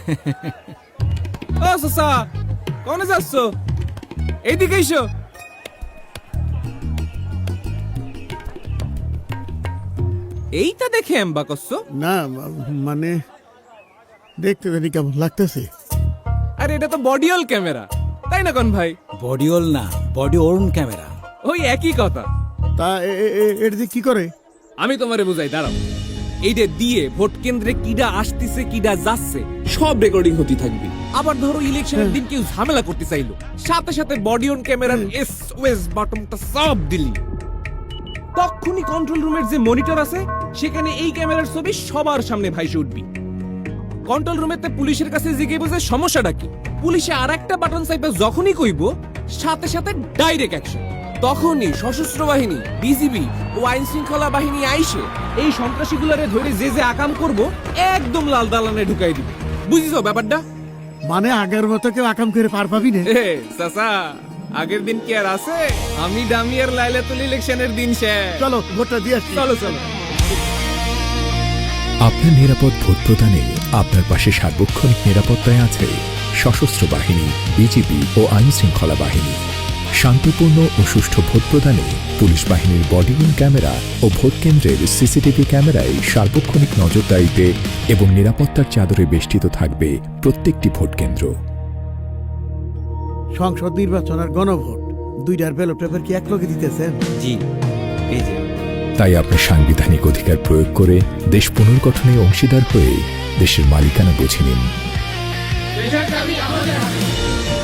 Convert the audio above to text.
ও সসা কোনে যাচ্ছ? এইদিকে এসো। এইটা দেখে এম্বা করছো? না মানে দেখতে জানি কেমন লাগতেছে। আরে এটা তো বডিওল ক্যামেরা, তাই না কোন ভাই? বডিওল না, বডি ওর্ন ক্যামেরা। ওই একই কথা। তা এটা দিয়ে কি করে? আমি তোমারে বুঝাই, দাঁড়াও। এইটা দিয়ে ভোট কেন্দ্রে কিডা আসতেছে কিডা যাচ্ছে সব রেকর্ডিং হতে থাকবে। আবার ধরো ইলেকশনের দিন কেউ ঝামেলা করতে চাইলো, সাথে সাথে বডি অন ক্যামেরার এসওএস বাটনটা সব দিলি, তখনই কন্ট্রোল রুমের যে মনিটর আছে সেখানে এই ক্যামেরার ছবি সবার সামনে ভাইসে উঠবি। কন্ট্রোল রুমেতে পুলিশের কাছে জিজ্ঞেস বুঝে সমস্যাটা কি, পুলিশে আর একটা বাটন চাইবে যখনই কইব সাথে সাথে ডাইরেক্ট অ্যাকশন। তখনই সশস্ত্র বাহিনী, বিজিবি ও আইন শৃঙ্খলা বাহিনী আইসে এই সন্ত্রাসীগুলারে ধরে যে যে আকাম করব একদম লাল দালানে ঢুকাই দিবে। বুঝিছো ব্যাপারটা? মানে আগের মতো কেউ আকাম করে পার পাবি না? এ চাচা, আগের দিন কি আর আছে? আমি ডামিয়ার লাইলাতুল ইলেকশনের দিন শেষ। চলো ভোটটা দিয়ে আসি। চলো চলো। আপনার নিরাপদ ভোট প্রদানে আপনার পাশে সার্বক্ষণিক নিরাপত্তায় আছে সশস্ত্র বাহিনী, বিজিবি ও আইন শৃঙ্খলা বাহিনী। শান্তিপূর্ণ ও সুষ্ঠু ভোট প্রদানে পুলিশ বাহিনীর বডিওন ক্যামেরা ও ভোট কেন্দ্রের সিসিটিভি ক্যামেরায় সার্বক্ষণিক নজরদারিতে এবং নিরাপত্তার চাদরে বেষ্টিত থাকবে প্রত্যেকটি ভোট কেন্দ্র। সংসদ নির্বাচন আর গণভোট দুইটার ব্যালট পেপার কি এক লগে দিতেছেন? জি, এই যে। তাই আপনার সাংবিধানিক অধিকার প্রয়োগ করে দেশ পুনর্গঠনে অংশীদার হয়ে দেশের মালিকানা বুঝে নিন।